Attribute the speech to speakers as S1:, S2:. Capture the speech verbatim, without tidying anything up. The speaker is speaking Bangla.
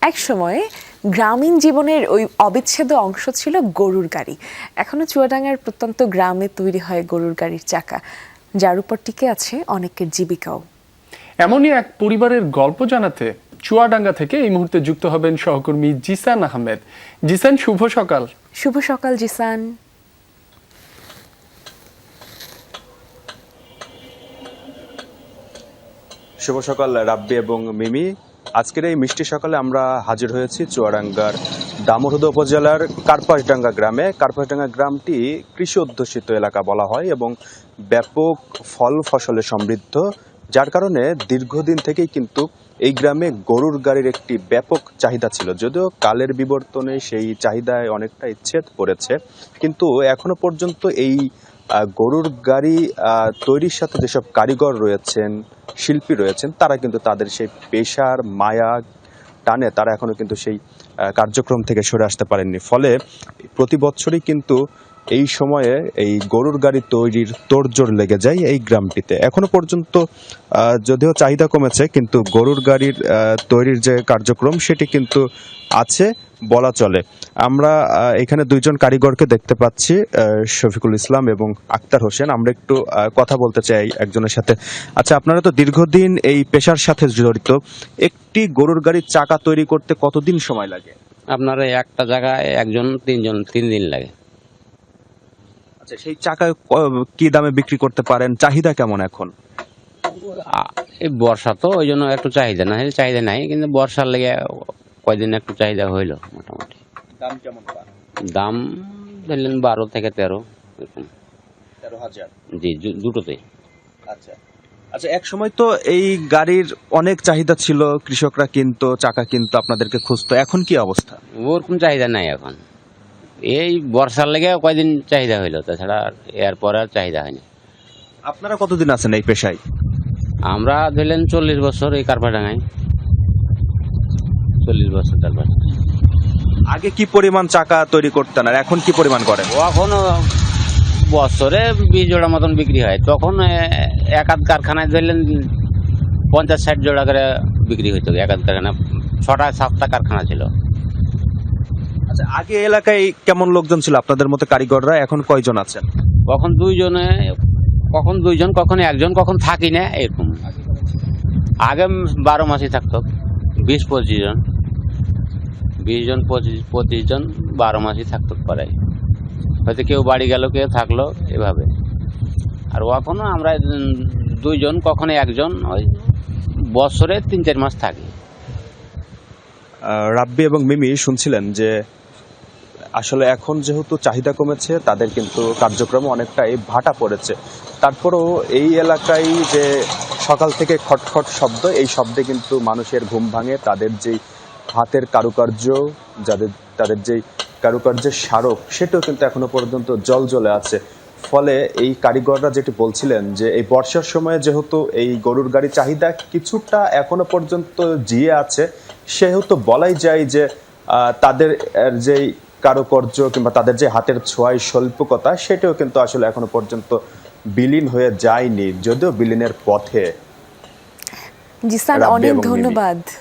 S1: এক সময়ে গ্রামীণ জীবনের ওই অবিচ্ছেদ্য অংশ ছিল গরুর গাড়ি। এখনো চুয়াডাঙ্গার প্রত্যন্ত গ্রামে তৈরি হয় গরুর গাড়ির চাকা, যার উপর টিকে আছে অনেকের জীবিকাও।
S2: এমনই এক পরিবারের গল্প জানাতে চুয়াডাঙ্গা থেকে এই মুহূর্তে যুক্ত হবেন সহকর্মী জিসান আহমেদ। জিসান, শুভ সকাল।
S1: শুভ সকাল জিসান।
S3: শুভ সকাল রাব্বি এবং মিমি। আজকের এই মিষ্টি সকালে আমরা হাজির হয়েছি চুয়াডাঙ্গার দামোহদ উপজেলার কার্পাসডাঙ্গা গ্রামে। কার্পাসডাঙ্গা গ্রামটি কৃষি অধ্যুষিত এলাকা বলা হয় এবং ব্যাপক ফল ফসলে সমৃদ্ধ, যার কারণে দীর্ঘদিন থেকেই কিন্তু এই গ্রামে গরুর গাড়ির একটি ব্যাপক চাহিদা ছিল। যদিও কালের বিবর্তনে সেই চাহিদায় অনেকটা ইচ্ছেদ পড়েছে, কিন্তু এখনো পর্যন্ত এই গরুর গাড়ি তৈরির সাথে যেসব কারিগর রয়েছেন, শিল্পী রয়েছেন, তারা কিন্তু তাদের সেই পেশার মায়া টানে তারা এখনো কিন্তু সেই কার্যক্রম থেকে সরে আসতে পারেননি। ফলে প্রতি বছরই কিন্তু এই সময়ে এই গরুর গাড়ি তৈরির তোড়জোড় লেগে যায় এই গ্রামটিতে। এখনো পর্যন্ত যদিও চাহিদা কমেছে, কিন্তু গরুর গাড়ির তৈরির যে কার্যক্রম সেটি কিন্তু আছে বলা চলে। আমরা এখানে দুইজন কারিগরকে দেখতে পাচ্ছি, শফিকুল ইসলাম এবং আক্তার হোসেন। আমরা একটু কথা বলতে চাই একজনের সাথে। আচ্ছা, আপনারা তো দীর্ঘদিন এই পেশার সাথে জড়িত, একটি গরুর গাড়ির চাকা তৈরি করতে কতদিন সময় লাগে?
S4: আপনার একটা জায়গায় একজন তিনজন তিন দিন লাগে।
S3: আচ্ছা, সেই চাকা কি দামে বিক্রি করতে পারেন? চাহিদা কেমন এখন?
S4: এই বর্ষা তো ওই জন্য একটু চাহিদা না, চাহিদা নাই, কিন্তু বর্ষার লেগে কয়দিন একটু চাহিদা হইলো। মোটামুটি
S3: দাম কেমন?
S4: দাম ধরলেন বারো থেকে তেরো এরকম।
S3: তেরো হাজার?
S4: জি, দুটোতেই।
S3: আচ্ছা আচ্ছা, এক সময় তো এই গাড়ির অনেক চাহিদা ছিল, কৃষকরা কিন্তু চাকা কিন্তু আপনাদেরকে খুঁজতো, এখন কি অবস্থা?
S4: ওরকম চাহিদা নাই এখন। এই বর্ষার লেগে কয়দিন চাহিদা হইলো, তাছাড়া এরপর আর চাহিদা হয়নি।
S3: আপনারা কতদিন আছেন এই পেশায়?
S4: আমরা ধরলেন চল্লিশ বছর এই কার্পাসডাঙ্গায়, চল্লিশ বছর তারপর।
S3: আগে কি পরিমাণ চাকা তৈরি করতেন আর এখন কি পরিমাণ করেন?
S4: এখন বছরে বিশ জোড়া মতন বিক্রি হয়। তখন এক আধ কারখানায় ধরলেন পঞ্চাশ ষাট জোড়া করে বিক্রি হইতো। এক আধ কারখানা, ছটা সাতটা কারখানা ছিল।
S3: আচ্ছা, আগে এলাকায় কেমন লোকজন ছিল আপনাদের মতো কারিগররা? এখন কয়জন আছেন?
S4: কখন দুইজনে, কখন দুইজন, কখন একজন, কখন থাকি না এরকম। আগে বারো মাসই থাকতো বিশ পঁচিশ জন, বিশ জন পঁচিশ পঁচিশ জন বারো মাসই থাকতো পরে। হয়তো কেউ বাড়ি গেল, কেউ থাকলো, এভাবে। আর এখনো আমরা দুইজন, কখনো একজন, ওই বছরে তিন চার মাস থাকি।
S3: রাব্বি এবং মিমি শুনছিলেন যে আসলে এখন যেহেতু চাহিদা কমেছে, তাদের কিন্তু কার্যক্রম অনেকটাই ভাটা পড়েছে। তারপরেও এই এলাকায় যে সকাল থেকে খটখট শব্দ, এই শব্দে কিন্তু মানুষের ঘুম ভাঙে। তাদের যেই হাতের কারুকার্য, যাদের তাদের যেই কারুকার্যের স্মারক, সেটাও কিন্তু এখনো পর্যন্ত জল জ্বলে আছে। ফলে এই কারিগররা যেটি বলছিলেন যে এই বর্ষার সময়ে যেহেতু এই গরুর গাড়ি চাহিদা কিছুটা এখনো পর্যন্ত জিয়ে আছে, সেহেতু বলাই যায় যে তাদের যেই কারুকার্য কিংবা তাদের যে হাতের ছোঁয়ায় স্বল্পকতা, সেটাও কিন্তু আসলে এখনো পর্যন্ত বিলীন হয়ে যায়নি, যদিও বিলীনের পথে।
S1: জিসান, অনেক ধন্যবাদ।